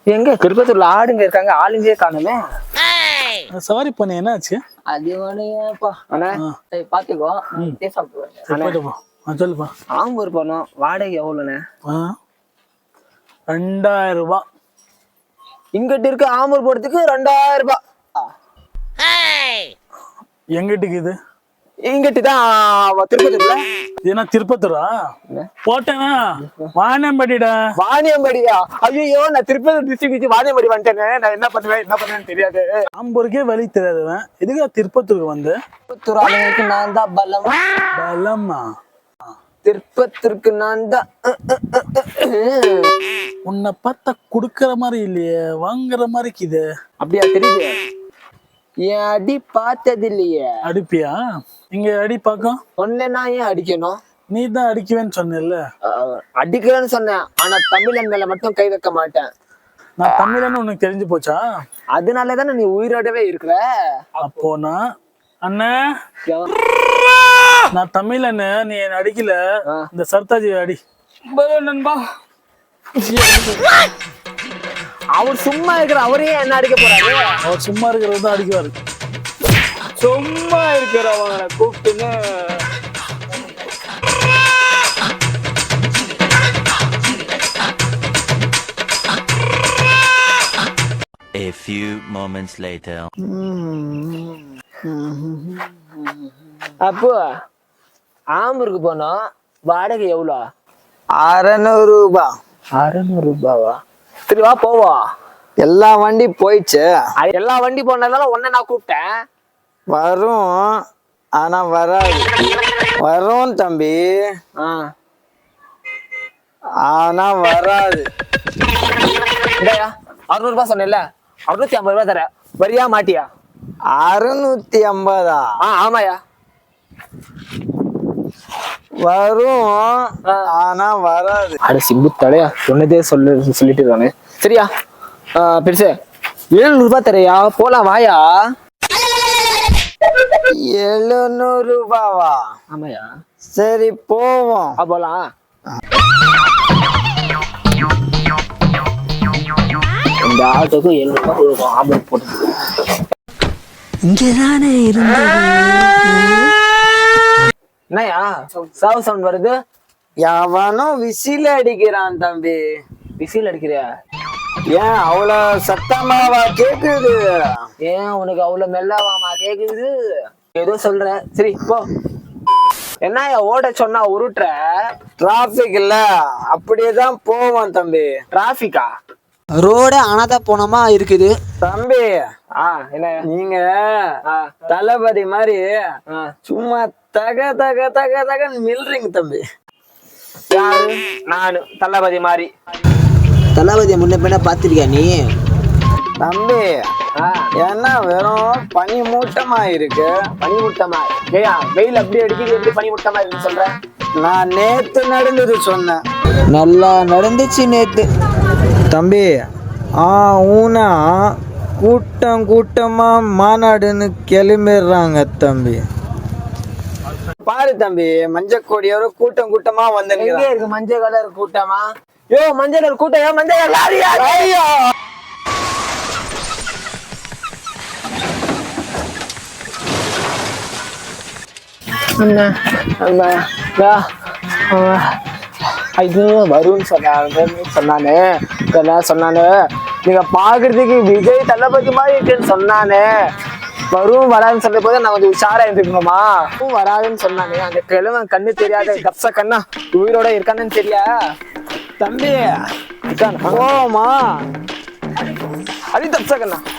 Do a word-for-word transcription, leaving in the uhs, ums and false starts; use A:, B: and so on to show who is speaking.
A: எங்க திருப்பத்தூர்ல ஆடுங்க இருக்காங்க, ஆளுங்களே காணுமே.
B: சவாரி பண்ண என்னாச்சு?
A: அது ஒண்ணுப்பா அண்ணா, பாத்துக்கோ.
B: சொல்லுப்பா.
A: ஆம்பூர் போனோம், வாடகை எவ்வளவுண்ணே?
B: ரெண்டாயிரம் ரூபாய்.
A: இங்கிட்ட இருக்கு ஆம்பூர் போறதுக்கு ரெண்டாயிரம் ரூபாய்.
B: எங்கிட்டுக்கு இது?
A: இங்கிட்டுதான் திருப்பத்தூர்ல.
B: ஏன்னா திருப்பத்தூரா போட்டேனா? வாணியம்பாடிடா.
A: வாணியம்பாடியா? ஐயோ, நான் திருப்பத்தூர் டிஸ்ட்ரிக்ட் வாணியம்பாடி வந்துட்டேனே. நான் என்ன பண்ணுவேன் என்ன பண்ணுவேன்னு தெரியாது.
B: ஆம்பூருக்கே வழி தெரியாதுவன் எதுக்கா திருப்பத்தூருக்கு வந்து?
A: திருப்பத்தூர் ஆளுங்களுக்கு நான் தான் பலம்.
B: பலமா?
A: திருப்பத்தூருக்கு நான் தான்.
B: உன்னை பார்த்தா குடுக்கற மாதிரி இல்லையே, வாங்குற மாதிரி இது.
A: அப்படியா தெரியுது? என் அடி பார்த்தது இல்லையே.
B: அடிப்பியா? இங்க அடி பாக்கம்.
A: ஒன்னு நான் ஏன் அடிக்கணும்?
B: நீ தான் அடிக்குவேன்னு சொன்ன.
A: அடிக்கிறேன்னு சொன்னேன், ஆனா தமிழன் மேல மட்டும் கை வைக்க மாட்டேன்.
B: நான் தமிழன்னு உனக்கு தெரிஞ்சு போச்சா?
A: அதனாலதானே நீ உயிரோடவே இருக்கிற.
B: அப்போ நான் அண்ணா நான் தமிழன்னு நீ என்ன அடிக்கல. இந்த சர்தாஜி அடி நண்பா.
A: அவர் சும்மா இருக்கிற அவரையே என்ன அடிக்க போறாரு?
B: அவர் சும்மா இருக்கிறது தான் அடிக்குவாரு.
A: சும்மா இருக்கிறவங்களை கூப்பிட்டுன்னு
C: A few moments later.
A: அப்போ ஆம்பூருக்கு போனோம், வாடகை எவ்வளோ?
D: அறநூறு ரூபாய்.
A: அறநூறு ரூபாவா? சரி வா போவோம்.
D: எல்லா வண்டி போயிடுச்சு.
A: எல்லா வண்டி போனதால ஒன்ன நான் கூப்பிட்டேன்.
D: வரும், ஆனா வராது. வரும் தம்பி, ஆனா வராது.
A: அறுநூறு ரூபாய் சொன்னேன்ல, அறுநூத்தி ஐம்பது ரூபாய் தர. வரியா மாட்டியா?
D: அறுநூத்தி ஐம்பதா?
A: ஆமாயா.
D: வரும், ஆனா வராது.
A: அட சிம்பு தலையா, சொன்னதே சொல்லு சொல்லிட்டு தானே. சரியா பெருசு, எழுநூறு ரூபாய் தரையா, போலாம் வாயா.
D: எழுநூறு ரூபாவா?
A: ஆமாயா.
D: சரி போவோம்.
A: போலாம். இந்த ஆட்டோக்கு எழுநூறு ரூபாய் கொடுக்கும். ஆம்பூர் போட்டு இங்கதானே இருந்தது. என்னயா சாவு சவுண்ட் வருது?
D: எவனும் விசில் அடிக்கிறான் தம்பி.
A: விசில் அடிக்கிறியா?
D: ஏன் அவ்வளவு சத்தமாவா கேக்குது?
A: ஏன் உனக்கு அவ்வளவு மெல்லவாமா கேக்குது? ஏதோ சொல்ற, சரி போ. என்னயா ஓட சொன்னா உருட்டுற?
D: டிராபிக் இல்ல, அப்படியேதான் போவோம் தம்பி.
A: டிராபிக்கா?
D: ரோடு அனாத போனமா இருக்குது தம்பி.
A: என்ன
D: நீங்க தளபதி மாதிரி சும்மா தக தக தக தகன்னு மில்றீங்க தம்பி.
A: யாரு? நானு தளபதி மாதிரி.
D: தளபதியை முன்ன பின்ன பாத்திருக்கியா நீ தம்பி? ஏன்னா வெறும் பனி மூட்டமா இருக்கு.
A: பனி மூட்டமா? ஏயா வெயில் அப்படி அடிக்குது, எப்படி பனி மூட்டமா இருக்குன்னு சொல்ற?
D: நான் நேத்து நடந்தது சொன்னேன். நல்லா நடந்துச்சு நேத்து தம்பி. ஆ ஊனா கூட்டம் கூட்டமா மாநாடுன்னு கிளம்பிடுறாங்க தம்பி. பாரு தம்பி, மஞ்சள் கொடியோட கூட்டம் கூட்டமா வந்து
A: இருக்கு. மஞ்சள் கலர் கூட்டமா? யோ மஞ்சள் கலர் கூட்டம், மஞ்சள் கலர் லாரியா? ஐயோ ஐயோ வரும்னு சொன்னாங்க சொன்னானே சொன்னானு நீங்க பாக்குறதுக்கு விஜய் தளபதி மாதிரி இருக்குன்னு சொன்னானே. வரும் வராதுன்னு சொல்ற போது நான் கொஞ்சம் உஷாரா இருந்துக்கணுமா? வராதுன்னு சொன்னானே, அந்த கிழவன் கண்ணு தெரியாத கப்ச கண்ணா உயிரோட இருக்கானு தெரியா
D: தம்பி? போமா
A: அது தப்ச கண்ணா.